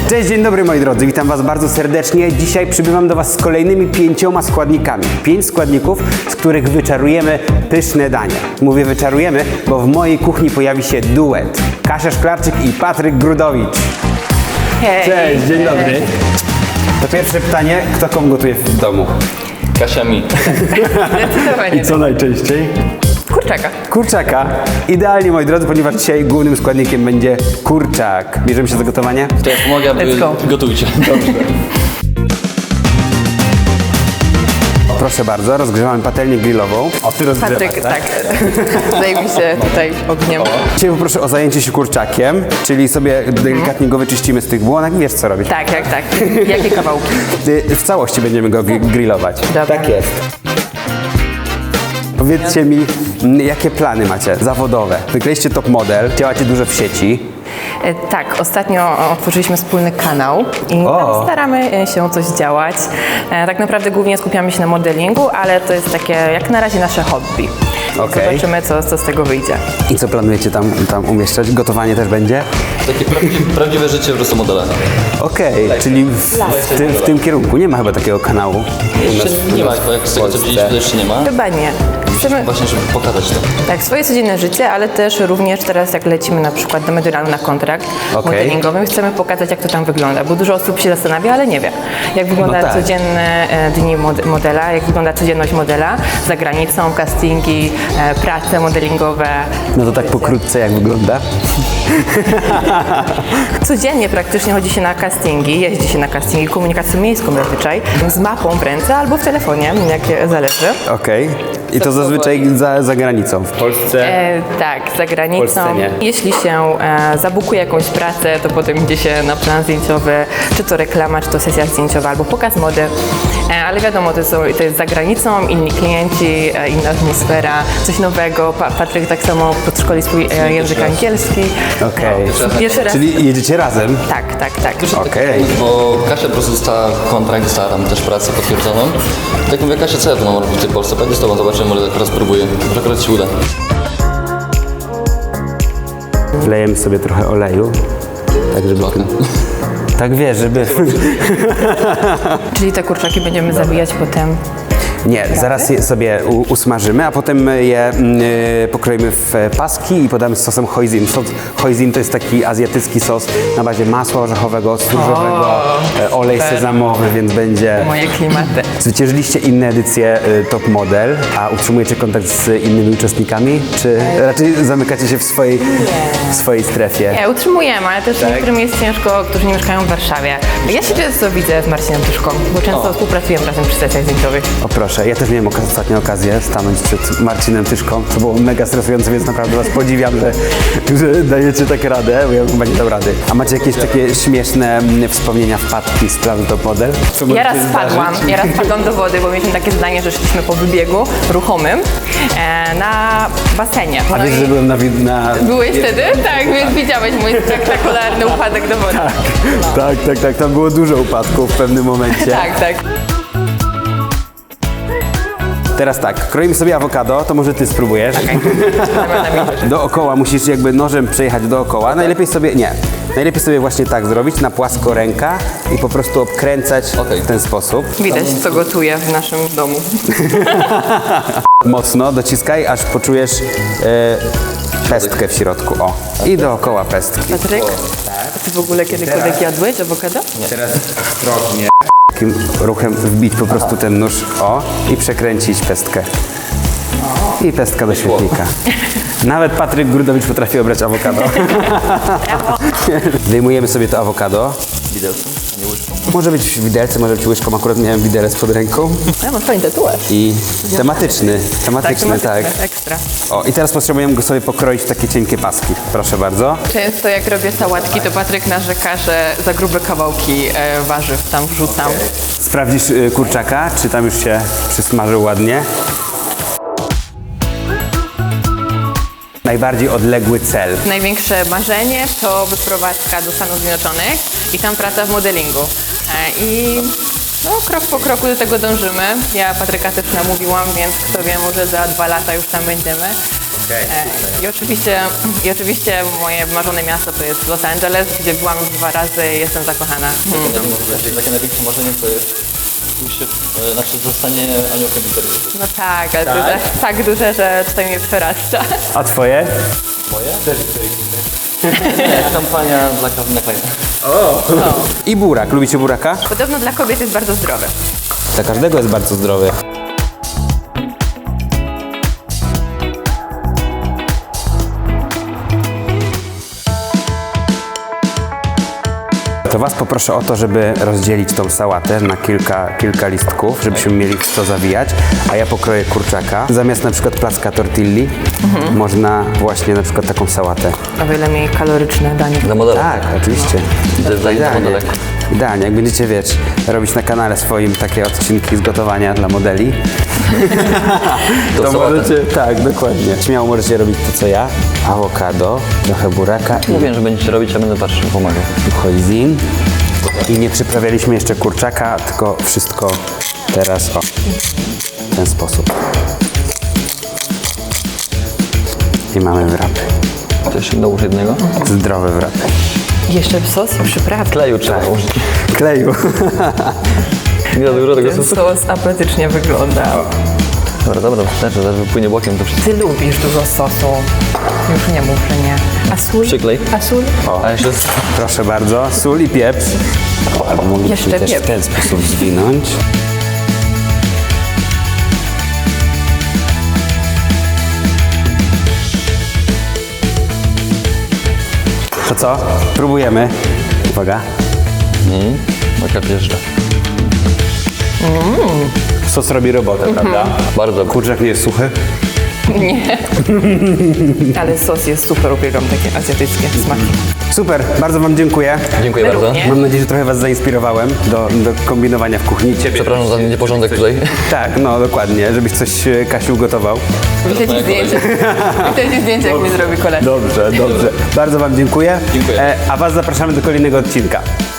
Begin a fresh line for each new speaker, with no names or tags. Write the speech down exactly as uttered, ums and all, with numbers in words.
Cześć, dzień dobry moi drodzy, witam was bardzo serdecznie. Dzisiaj przybywam do was z kolejnymi pięcioma składnikami. Pięć składników, z których wyczarujemy pyszne danie. Mówię wyczarujemy, bo w mojej kuchni pojawi się duet. Kasia Szklarczyk i Patryk Grudowicz.
Hej.
Cześć, dzień dobry. To pierwsze pytanie, kto komu gotuje w domu?
Kasia mi.
Zdecydowanie.
I co najczęściej?
Kurczaka.
Kurczaka. Idealnie moi drodzy, ponieważ dzisiaj głównym składnikiem będzie kurczak. Bierzemy się za gotowanie?
To ja pomogę,
Let's
wy
go.
gotujcie. Dobrze.
Proszę bardzo, rozgrzewamy patelnię grillową. O, ty rozgrzewasz,
Patryk, tak. Zajmij się tutaj ogniem.
Dzisiaj poproszę o zajęcie się kurczakiem, czyli sobie delikatnie go wyczyścimy z tych błonek. Wiesz co robić.
Tak, tak, tak. Jakie kawałki?
Y, W całości będziemy go gri- grillować.
Dobra.
Tak jest. Powiedzcie mi, m, jakie plany macie zawodowe? Wykleiliście top model, działacie dużo w sieci.
E, Tak, ostatnio otworzyliśmy wspólny kanał i
O.
tam staramy e, się coś działać. E, Tak naprawdę głównie skupiamy się na modelingu, ale to jest takie jak na razie nasze hobby.
Okej.
Zobaczymy, co, co z tego wyjdzie.
I co planujecie tam, tam umieszczać? Gotowanie też będzie?
Takie prawdziwe, prawdziwe życie w prostu modela.
Okej, czyli w, w, tym, w tym kierunku. Nie ma chyba takiego kanału.
Jeszcze nie ma, bo jak z tego co widzieliśmy, to jeszcze nie ma.
Chyba nie. Chcemy
Właśnie, żeby pokazać to.
tak, swoje codzienne życie, ale też również teraz jak lecimy na przykład do Mediolanu na kontrakt
Okej.
modelingowy, chcemy pokazać, jak to tam wygląda, bo dużo osób się zastanawia, ale nie wie, jak wygląda
No tak.
codzienne e, dni mod- modela, jak wygląda codzienność modela za granicą, castingi, e, prace modelingowe.
No to tak pokrótce jak wygląda.
Codziennie praktycznie chodzi się na castingi, jeździ się na castingi, komunikacją miejską zazwyczaj, z mapą w ręce albo w telefonie, jak zależy.
Okej. I to zazwyczaj za, za granicą. W Polsce?
E, tak, za granicą.
Polsce nie.
Jeśli się e, zabukuje jakąś pracę, to potem idzie się na plan zdjęciowy, czy to reklama, czy to sesja zdjęciowa, albo pokaz mody. E, ale wiadomo, to, są, to jest za granicą, inni klienci, e, inna atmosfera, coś nowego. Pa, Patryk tak samo podszkoli swój e, język angielski.
Okej.
Pierwszy raz.
Czyli jedziecie razem?
Tak, tak, tak.
Okej.
Bo Kasia po prostu dostała kontrakt, dostała tam też pracę potwierdzoną. Tak mówię, Kasia, co ja tu mam robić w tej Polsce? Pojadę z tobą, zobaczymy, może akurat spróbuję. Może akurat się uda.
Wlejemy sobie trochę oleju. Tak, żeby... Tak wiesz, żeby...
Czyli te kurczaki będziemy zabijać potem.
Nie, zaraz je sobie u, usmażymy, a potem je mm, y, pokroimy w e, paski i podamy z sosem hoisin. Sos hoisin to jest taki azjatycki sos na bazie masła orzechowego, surowego, e, olej
super.
sezamowy, więc będzie...
Moje klimaty.
Zwyciężyliście inne edycje y, Top Model, a utrzymujecie kontakt z innymi uczestnikami, czy raczej zamykacie się w swojej, w swojej strefie?
Nie, utrzymujemy, ale też niektórym jest ciężko, którzy nie mieszkają w Warszawie. Ja się często widzę z Marcinem Tyszką, bo często współpracujemy razem przy sesjach zdjęciowych.
O proszę, ja też miałem okaz- ostatnią okazję stanąć przed Marcinem Tyszką. To było mega stresujące, więc naprawdę was podziwiam, że, że dajecie tak radę, bo ja chyba nie dam rady. A macie jakieś takie śmieszne mm, wspomnienia, wpadki z planu Top Model? Co
Ja raz
możecie
spadłam,
zdarzyć?
ja raz spadłam do wody, bo mieliśmy takie zdanie, że szliśmy po wybiegu ruchomym e, na basenie.
A
No
wiesz,
i
że byłem na... wi- na...
byłeś wtedy? Tak, więc widziałeś mój spektakularny upadek do wody.
Tak, tak, tak, tam było dużo upadków w pewnym momencie.
Tak, tak.
Teraz tak, kroimy sobie awokado, to może ty spróbujesz.
Dobra, na mi.
Dookoła musisz jakby nożem przejechać dookoła. Najlepiej sobie, nie, najlepiej sobie właśnie tak zrobić, na płasko ręka i po prostu obkręcać
Okej.
w ten sposób.
Widać, co gotuję w naszym domu.
Mocno dociskaj, aż poczujesz e, pestkę w środku. O. I dookoła pestki.
Patryk, a ty w ogóle kiedykolwiek jadłeś awokado?
Teraz ostrożnie. Takim ruchem wbić po prostu ten nóż, o, i przekręcić pestkę. I pestka do świetnika. Nawet Patryk Grudowicz potrafi obrać awokado. Wyjmujemy sobie to awokado.
Widelcem, a nie łyżką.
Może być widelcem, może być łyżką, akurat miałem widelec pod ręką.
Ja mam fajny tatuaż.
I tematyczny, tematyczny, tak.
Ekstra.
O, i teraz potrzebujemy go sobie pokroić w takie cienkie paski. Proszę bardzo.
Często jak robię sałatki, to Patryk narzeka, że za grube kawałki e, warzyw tam wrzucam.
Sprawdzisz y, kurczaka, czy tam już się przysmażył ładnie. Najbardziej odległy cel.
Największe marzenie to wyprowadzka do Stanów Zjednoczonych i tam praca w modelingu. E, I no, krok po kroku do tego dążymy. Ja Patryka też namówiłam, więc kto wie, może za dwa lata już tam będziemy. E, I oczywiście, I oczywiście moje marzone miasto to jest Los Angeles, gdzie byłam już dwa razy i jestem zakochana. Mm.
Takie, takie największe marzenie to jest pójście, e, znaczy zostanie aniołem literatury.
No tak, ale to jest aż tak duże, że tutaj mnie przerasta.
A twoje?
Moje? Też Nie, kampania dla Calvina Kleina.
I burak. Lubicie buraka?
Podobno dla kobiet jest bardzo zdrowy.
Dla każdego jest bardzo zdrowy. To was poproszę o to, żeby rozdzielić tą sałatę na kilka, kilka listków, żebyśmy mieli w co zawijać, a ja pokroję kurczaka. Zamiast na przykład placka tortilli można właśnie na przykład taką sałatę.
O wiele mniej kaloryczne danie.
Dla modela.
Tak, oczywiście.
Dla- dla
Idealnie.
modelek.
Idealnie. Jak będziecie, wiesz, robić na kanale swoim takie odcinki z gotowania dla modeli, to
sałatę.
możecie, tak, dokładnie. Śmiało możecie robić to, co ja. Awokado, trochę buraka i
Mówiłem, że będziecie robić, ja będę patrzył, pomagał.
hoisin. I nie przyprawialiśmy jeszcze kurczaka, tylko wszystko teraz o, w ten sposób. I mamy wrapy.
To jeszcze dołóż jednego.
Zdrowe wrapy.
Jeszcze sos i przyprawy.
Kleju trzeba użyć.
Kleju.
Nie za dużo tego
Ten
sosu.
sos apetycznie wygląda.
Dobra, dobra, wystarczy, zaraz wypłynie bokiem to wszystko.
Ty lubisz dużo sosu. Już nie mów, że nie. A sól?
Przyklej.
A sól?
A jeszcze z...
Proszę bardzo, sól i pieprz. Albo mogliśmy
Jeszcze
też w
pieprz.
ten sposób zwinąć. To co? Próbujemy. Uwaga.
Maka wjeżdża.
Sos robi robotę, prawda?
Bardzo.
Kurczak nie jest suchy.
Nie. Ale sos jest super, uwielbiam takie azjatyckie smaki.
Super, bardzo wam dziękuję.
Dziękuję
My
bardzo.
również.
Mam nadzieję, że trochę was zainspirowałem do, do kombinowania w kuchni. Ciebie.
Przepraszam za nieporządek tutaj.
Tak, no dokładnie, żebyś coś e, Kasiu gotował.
Widzę ci zdjęcie. Widzę ci zdjęcie, jak mi zrobi kolej.
Dobrze, dobrze. Bardzo wam dziękuję.
Dziękuję.
E, a was zapraszamy do kolejnego odcinka.